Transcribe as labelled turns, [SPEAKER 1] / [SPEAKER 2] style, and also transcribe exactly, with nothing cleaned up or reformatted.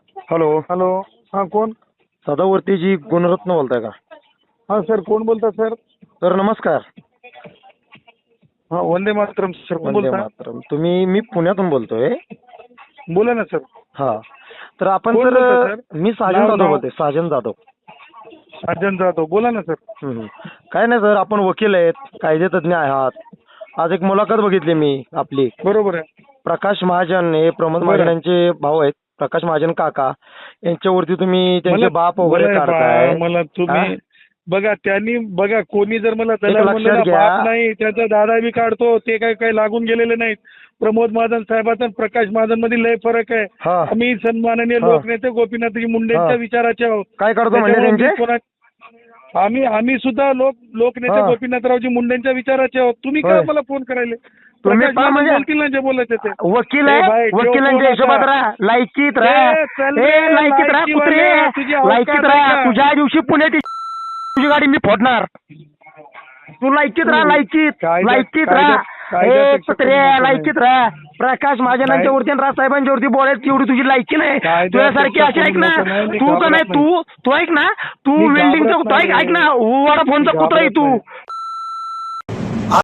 [SPEAKER 1] Hello.
[SPEAKER 2] Hello. हा कोण?
[SPEAKER 1] सदावर्तीजी गुणरत्न बोलताय का?
[SPEAKER 2] हा सर, कोण बोलता सर?
[SPEAKER 1] तर नमस्कार.
[SPEAKER 2] हा, वंदे मातरम सर. कोण
[SPEAKER 1] वंदे
[SPEAKER 2] बोलता?
[SPEAKER 1] मातरम. तुम्ही मी पुण्यातून बोलतोय.
[SPEAKER 2] बोला ना सर.
[SPEAKER 1] हा, तर आपण
[SPEAKER 2] कोण
[SPEAKER 1] सर
[SPEAKER 2] बोलता सर?
[SPEAKER 1] मी साजन
[SPEAKER 2] नाव-
[SPEAKER 1] जाधव
[SPEAKER 2] नाव?
[SPEAKER 1] बोलतोय. साजन जाधव.
[SPEAKER 2] साजन जाधव. बोला ना सर.
[SPEAKER 1] हम्म. काय नाही सर, आपण वकील आहेत, कायदेतज्ञ आहात. आज एक मुलाखत बघितली मी आपली.
[SPEAKER 2] बरोबर आहे.
[SPEAKER 1] प्रकाश महाजन हे प्रमोद
[SPEAKER 2] बरं.
[SPEAKER 1] महाजन यांचे भाऊ आहेत. प्रकाश महाजन काका यांच्यावरती तुम्ही त्यांचे
[SPEAKER 2] मला-
[SPEAKER 1] बाप वगैरे
[SPEAKER 2] मला
[SPEAKER 1] काढताय.
[SPEAKER 2] बा- मला
[SPEAKER 1] हा?
[SPEAKER 2] तुम्ही बघा, त्यांनी बघा, कोणी जर मला दलाल
[SPEAKER 1] लक्षात
[SPEAKER 2] म्हणलं ना,
[SPEAKER 1] घ्या.
[SPEAKER 2] बाप नाही, त्याचा दादा बी काढतो. ते काय काय लागून गेलेले नाहीत. प्रमोद महाजन साहेबांचा आणि प्रकाश महाजन मध्ये लय फरक आहे.
[SPEAKER 1] हा.
[SPEAKER 2] आम्ही सन्माननीय
[SPEAKER 1] हा.
[SPEAKER 2] लोकनेते गोपीनाथजी मुंडेंच्या
[SPEAKER 1] हा.
[SPEAKER 2] विचाराचे आहोत.
[SPEAKER 1] काय काढतो म्हणजे
[SPEAKER 2] त्याच्यामुळे मी
[SPEAKER 1] त्यांचे?
[SPEAKER 2] कोणा- आम्ही आम्ही सुद्धा लोक लोकनेते
[SPEAKER 1] हा.
[SPEAKER 2] गोपीनाथरावजी मुंडेंच्या विचाराचे आहोत. तुम्ही
[SPEAKER 1] होय.
[SPEAKER 2] काय मला फोन करायले?
[SPEAKER 1] तुम्ही
[SPEAKER 2] प्रकाश
[SPEAKER 1] पहा
[SPEAKER 2] महाजन
[SPEAKER 1] म्हणजे
[SPEAKER 2] बोलतील ना जे बोलायचे ते.
[SPEAKER 1] वकील
[SPEAKER 2] ए
[SPEAKER 1] आहे,
[SPEAKER 2] भाई, ठेव
[SPEAKER 1] वकिलांच्या
[SPEAKER 2] फोन
[SPEAKER 1] हिशोबात
[SPEAKER 2] आता.
[SPEAKER 1] राहा, लायकीत राहा.
[SPEAKER 2] ए, चल
[SPEAKER 1] ए,
[SPEAKER 2] रे,
[SPEAKER 1] लायकीत राहा
[SPEAKER 2] लायकीवाले,
[SPEAKER 1] कुत्रे,
[SPEAKER 2] तुझी अवकात
[SPEAKER 1] लायकीत
[SPEAKER 2] आहे
[SPEAKER 1] राहा.
[SPEAKER 2] का?
[SPEAKER 1] तुझ्या दिवशी पुण्यात ये- तुझी गाडी मी फोडणार. तू लायकीत राहा, लायकीत
[SPEAKER 2] कायदा-
[SPEAKER 1] लायकीत
[SPEAKER 2] कायदा-
[SPEAKER 1] राहा.
[SPEAKER 2] कायद्यापेक्षा
[SPEAKER 1] ए कुत्रे,
[SPEAKER 2] कमी नाही.
[SPEAKER 1] लायकीत राहा. प्रकाश महाजनांच्या वरती आणि राजसाहेबांच्या वरती बोलायची एवढी तुझी लायकी नाही.
[SPEAKER 2] कायद्यापेक्षा
[SPEAKER 1] तुझ्यासारखी अशी ऐक ना,
[SPEAKER 2] कमी नाही, मी
[SPEAKER 1] तू का
[SPEAKER 2] घाबरत
[SPEAKER 1] नाही, तू तू ऐक ना, तू
[SPEAKER 2] मी
[SPEAKER 1] वेल्डिंगचा
[SPEAKER 2] घाबरत
[SPEAKER 1] तू ऐक
[SPEAKER 2] नाही.
[SPEAKER 1] ऐक ना, वडाफोनचा कुत्रा आहे
[SPEAKER 2] घाबरत
[SPEAKER 1] तू.
[SPEAKER 2] नाही.